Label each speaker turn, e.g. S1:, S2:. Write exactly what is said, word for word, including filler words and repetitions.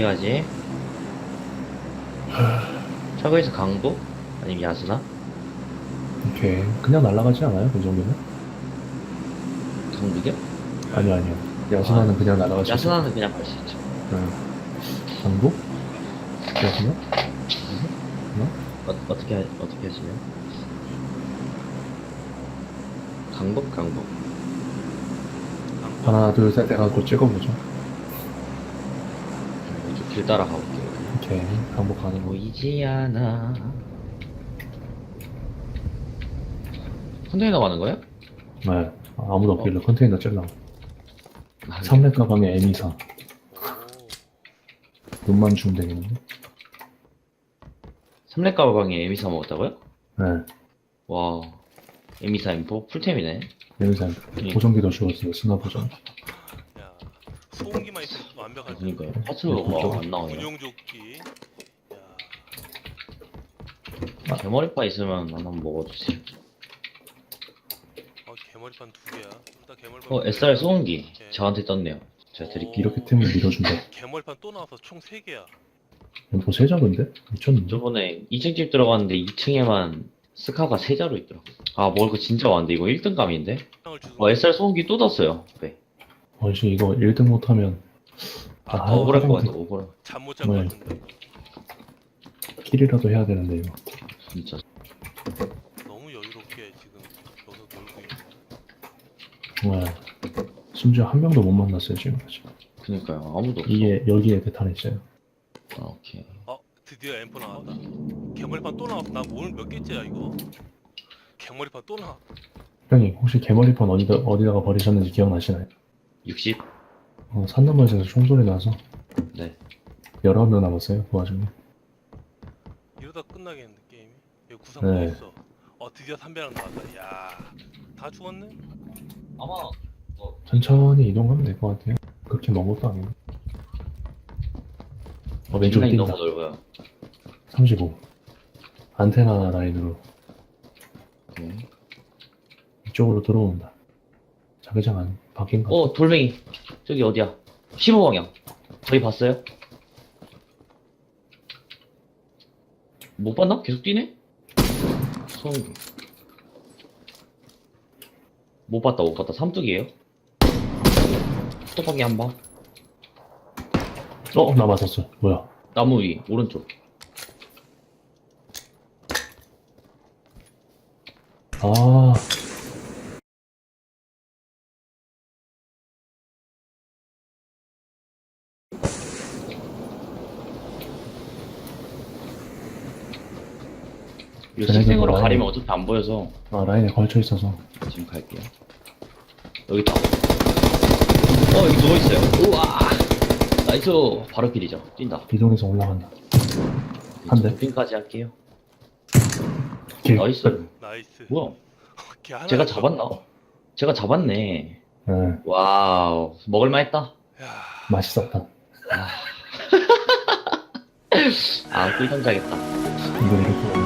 S1: 어디 가지? 차고에서 강도? 아니면 야수나?
S2: 오케이. 그냥 날아가지 않아요? 그 정도면?
S1: 강도요?
S2: 아니요, 아니요. 야수나는 그냥 날아갈 수 있어요.
S1: 야수나는 그냥 갈 수 있죠.
S2: 네. 강도? 야수나? 어?
S1: 어, 어떻게 하- 어떻게 하시면? 강북 강북.
S2: 하나, 둘, 셋 해가지고 찍어보죠.
S1: 이쪽 길 따라 가볼게요.
S2: 오케이. 강복하는 거.
S1: 보이지 않아. 컨테이너 가는 거야?
S2: 네. 아무도 없길래 컨테이너 찔러.
S1: 아,
S2: 삼렙 가방에 에미사. 눈만 주면 되겠는데?
S1: 삼렙 가방에 에미사 먹었다고요?
S2: 네.
S1: 와, 에미사 엠포 풀템이네.
S2: 에미사.
S1: 예.
S2: 보정기도 주었어요. 스나 보정.
S3: 야, 소음기만 있으면 완벽하지.
S1: 그러니까요. 파츠로가 안 나오네.
S3: 군용조끼. 야,
S1: 개머리파 있으면 하나 한번 먹어주세요.
S3: 어, 개머리판 두 개야. 일단 개머리판.
S1: 어,
S3: 두
S1: 에스알
S3: 개야.
S1: 소음기
S3: 오케이.
S1: 저한테 떴네요. 제가 드릴게요.
S2: 이렇게 템을 밀어준다.
S3: 개머리판 또 나와서 총 세 개야.
S2: 엠포 세 잡은데? 미쳤는데?
S1: 저번에 이 층 집 들어갔는데 이 층에만 스카가 세 자루 있더라고. 아, 먹을 거 진짜 많은데 이거 일 등감인데?
S3: 상을 주는
S1: 어, 에스알 소음기 또 떴어요. 네.
S2: 어, 씨, 이거 일 등 못하면.
S3: 아,
S2: 아,
S3: 더
S1: 억울할 것
S2: 화장실.
S1: 같아, 억울해.
S3: 잠못 잔 것
S2: 네.
S3: 같은데.
S2: 킬이라도 해야 되는데, 이거.
S1: 진짜.
S3: 너무 여유롭게 지금 여기서 놀고 있네.
S2: 네. 심지어 한 명도 못 만났어요, 지금까지.
S1: 그니까요. 아무도 없어.
S2: 이게, 여기에 대탄 있어요.
S1: 아, 오케이.
S3: 어, 드디어 엠포 나왔다. 개머리판 또 나왔어. 나 오늘 몇 개째야 이거? 개머리판 또 나와.
S2: 형님, 혹시 개머리판 어디다, 어디다가 버리셨는지 기억나시나요?
S1: 육십?
S2: 어, 산나무에서 총소리 나서
S1: 네.
S2: 열아홉 명 남았어요, 그 와중에.
S3: 이러다 끝나겠는데 게임이. 여기 구상 또
S2: 네.
S3: 있어. 어, 드디어 삼배랑 나왔다. 야, 다 죽었네.
S1: 아마,
S2: 천천히 이동하면 될 것 같아요. 그렇게 먼 것도 아니고. 어, 왼쪽에
S1: 인간이
S2: 뛴다.
S1: 너무 넓어요.
S2: 삼십오. 안테나 라인으로
S1: 네.
S2: 이쪽으로 들어온다. 자기장 안 바뀐 것 같아.
S1: 어, 돌멩이. 저기 어디야? 십오 방향. 저희 봤어요? 못 봤나? 계속 뛰네? 소음기. 못 봤다, 못 봤다. 삼뚝이에요? 수도방에 한 방.
S2: 어, 나 맞았어. 뭐야?
S1: 나무 위, 오른쪽.
S2: 아,
S1: 이거
S2: 쟤네들
S1: 식생으로
S2: 라인.
S1: 가리면 어차피 안 보여서
S2: 아, 라인에 걸쳐 있어서.
S1: 지금 갈게요. 여기 있다. 어, 여기 누워있어요. 우와! 나이스! 바로 길이죠. 뛴다.
S2: 이동해서 올라간다. 한 대.
S1: 도핑까지 할게요.
S2: 길.
S1: 나이스.
S3: 나이스.
S1: 뭐야?
S3: 걔 하나
S1: 제가
S3: 있어.
S1: 잡았나? 제가 잡았네.
S2: 네,
S1: 와우. 먹을만 했다.
S3: 야,
S2: 맛있었다.
S1: 아, 꿀 던져야겠다.
S2: 이거 이렇게